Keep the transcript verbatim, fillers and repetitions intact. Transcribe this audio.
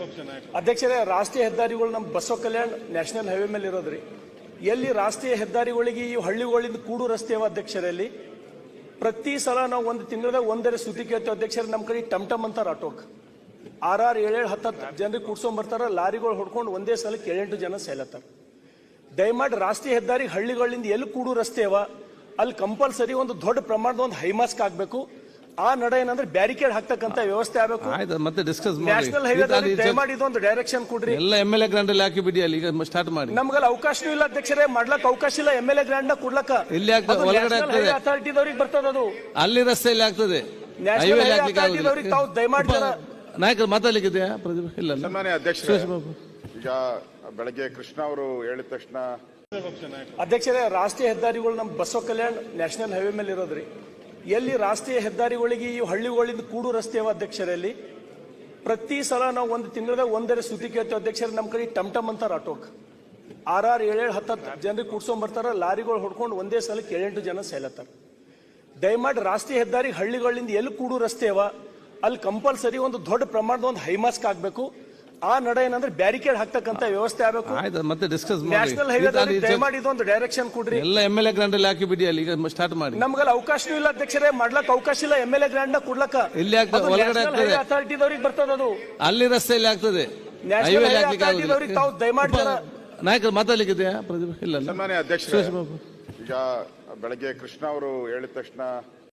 ಅಧ್ಯಕ್ಷರೇ, ರಾಷ್ಟ್ರೀಯ ಹೆದ್ದಾರಿಗಳು ನಮ್ಮ ಬಸವ ಕಲ್ಯಾಣ್ ನ್ಯಾಷನಲ್ ಹೈವೇ ಮೇಲೆ ಇರೋದ್ರಿ. ಎಲ್ಲಿ ರಾಷ್ಟ್ರೀಯ ಹೆದ್ದಾರಿಗಳಿಗೆ ಈ ಹಳ್ಳಿಗಳಿಂದ ಕೂಡು ರಸ್ತೆ ಅಧ್ಯಕ್ಷರಲ್ಲಿ ಪ್ರತಿ ಸಲ ನಾವು ಒಂದು ತಿಂಗಳದಾಗ ಒಂದರ ಸುದ್ದಿ ಕೇಳ್ತೇವೆ ಅಧ್ಯಕ್ಷರೇ. ನಮ್ಮ ಕಡೆ ಟಮ್ ಟಮ್ ಅಂತಾರ ಆಟೋಕ್ ಆರ್ ಆರ್ ಏಳೇಳು ಹತ್ತತ್ತು ಜನರಿಗೆ ಕೂಡ್ಸ್ಕೊಂಡ್ ಬರ್ತಾರ. ಲಾರಿಗಳು ಹೊಡ್ಕೊಂಡು ಒಂದೇ ಸಲಕ್ಕೆ ಏಳೆಂಟು ಜನ ಸೇಲತ್ತಾರ. ದಯಮಾಡಿ ರಾಷ್ಟ್ರೀಯ ಹೆದ್ದಾರಿ ಹಳ್ಳಿಗಳಿಂದ ಎಲ್ಲಿ ಕೂಡು ರಸ್ತೆ ಅವ ಅಲ್ಲಿ ಕಂಪಲ್ಸರಿ ಒಂದು ದೊಡ್ಡ ಪ್ರಮಾಣದ ಒಂದು ಹೈಮಾಸ್ಕ್ ಆಗ್ಬೇಕು. ಆ ನಡೆ ಏನಂದ್ರೆ ಬ್ಯಾರಿಕೇಡ್ ಹಾಕ್ತಕ್ಕಂತ ವ್ಯವಸ್ಥೆ ಆಗಬೇಕು. ಮತ್ತೆ ಡಿಸ್ಕಸ್ ನ್ಯಾಷನಲ್ ಹೈವೇ ದಯಮಾಡಿ ಇದೊಂದು ಡೈರೆಕ್ಷನ್ ಕೊಡ್ರಿ. ಎಲ್ಲ ಎಂ ಎಲ್ ಎ ಗ್ರಾಂಡ್ ಅಲ್ಲಿ ಹಾಕಿ ಬಿಡಿ. ಅಲ್ಲಿ ಈಗ ಸ್ಟಾರ್ಟ್ ಮಾಡಿ. ನಮ್ಗಲ್ಲಿ ಅವಕಾಶನೂ ಇಲ್ಲ ಅಧ್ಯಕ್ಷರೇ, ಮಾಡ್ಲಕ್ ಅವಕಾಶ ಇಲ್ಲ. ಎಂ ಎಲ್ ಎ ಗ್ರಾಂಡ್ ನ ಕೊಡ್ಲಕ್ಕ ಇಲ್ಲಿ ಒಳಗಡೆ ಆಗ್ತದೆ, ಅಥಾರಿಟಿದವ್ರಿಗೆ ಬರ್ತದ ಅದು. ಅಲ್ಲಿ ರಸ್ತೆಯಲ್ಲಿ ಆಗ್ತದೆ. ತಾವು ದಯಮಾಡಿ ನಾಯಕರು ಮಾತಾಡ್ಲಿಕ್ಕಿದೆಯಾ ಪ್ರದೀಪ್? ಇಲ್ಲ ಸನ್ಮಾನ್ಯ ಅಧ್ಯಕ್ಷರೇ, ಈಗ ಬೆಳಗ್ಗೆ ಕೃಷ್ಣ ಅವರು ಹೇಳಿದ ತಕ್ಷಣ ಅಧ್ಯಕ್ಷರೇ, ರಾಷ್ಟ್ರೀಯ ಹೆದ್ದಾರಿಗಳು ನಮ್ಮ ಬಸವ ಕಲ್ಯಾಣ್ ನ್ಯಾಷನಲ್ ಹೈವೇ ಮೇಲೆ ಇರೋದ್ರಿ. ಎಲ್ಲಿ ರಾಷ್ಟ್ರೀಯ ಹೆದ್ದಾರಿಗಳಿಗೆ ಈ ಹಳ್ಳಿಗಳಿಂದ ಕೂಡು ರಸ್ತೆ ಅಧ್ಯಕ್ಷರಲ್ಲಿ ಪ್ರತಿ ಸಲ ನಾವು ಒಂದು ತಿಂಗಳದಾಗ ಒಂದರ ಸುದ್ದಿ ಕೇಳ್ತೇವೆ ಅಧ್ಯಕ್ಷರೇ. ನಮ್ಮ ಕಡೆ ಟಮ್ ಟಮ್ ಅಂತಾರ ಆಟೋಕ್ ಆರ್ ಆರ್ ಏಳೇಳು ಹತ್ತತ್ತು ಜನರಿಗೆ ಕೂಡ್ಸ್ಕೊಂಡ್ ಬರ್ತಾರ. ಲಾರಿಗಳು ಹೊಡ್ಕೊಂಡು ಒಂದೇ ಸಲಕ್ಕೆ ಏಳೆಂಟು ಜನ ಸೇಲತ್ತಾರ. ದಯಮಾಡಿ ರಾಷ್ಟ್ರೀಯ ಹೆದ್ದಾರಿ ಹಳ್ಳಿಗಳಿಂದ ಎಲ್ಲಿ ಕೂಡು ರಸ್ತೆ ಅವ ಅಲ್ಲಿ ಕಂಪಲ್ಸರಿ ಒಂದು ದೊಡ್ಡ ಪ್ರಮಾಣದ ಒಂದು ಹೈಮಾಸ್ಕ್ ಆಗ್ಬೇಕು. ಆ ನಡೆ ಏನಂದ್ರೆ ಬ್ಯಾರಿಕೇಡ್ ಹಾಕ್ತಕ್ಕಂತ ವ್ಯವಸ್ಥೆ ಆಗಬೇಕು. ಮತ್ತೆ ಡಿಸ್ಕಸ್ ನ್ಯಾಷನಲ್ ಹೈವೇ ದಯಮಾಡಿ ಇದೊಂದು ಡೈರೆಕ್ಷನ್ ಕೊಡ್ರಿ. ಎಲ್ಲ ಎಂ ಎಲ್ ಎ ಗ್ರಾಂಡ್ ಅಲ್ಲಿ ಹಾಕಿ ಬಿಡಿ. ಅಲ್ಲಿ ಈಗ ಸ್ಟಾರ್ಟ್ ಮಾಡಿ. ನಮ್ಗಲ್ಲಿ ಅವಕಾಶನೂ ಇಲ್ಲ ಅಧ್ಯಕ್ಷರೇ, ಮಾಡ್ಲಕ್ ಅವಕಾಶ ಇಲ್ಲ. ಎಂ ಎಲ್ ಎ ಗ್ರಾಂಡ್ ನ ಕೊಡ್ಲಕ್ಕ ಇಲ್ಲಿ ಒಳಗಡೆ ಆಗ್ತದೆ, ಅಥಾರಿಟಿದವ್ರಿಗೆ ಬರ್ತದ ಅದು. ಅಲ್ಲಿ ರಸ್ತೆಯಲ್ಲಿ ಆಗ್ತದೆ. ತಾವು ದಯಮಾಡಿ ನಾಯಕರು ಮಾತಾಡ್ಲಿಕ್ಕಿದೆಯಾ ಪ್ರದೀಪ್? ಇಲ್ಲ ಸನ್ಮಾನ್ಯ ಅಧ್ಯಕ್ಷರೇ, ಈಗ ಬೆಳಗ್ಗೆ ಕೃಷ್ಣ ಅವರು ಹೇಳಿದ ತಕ್ಷಣ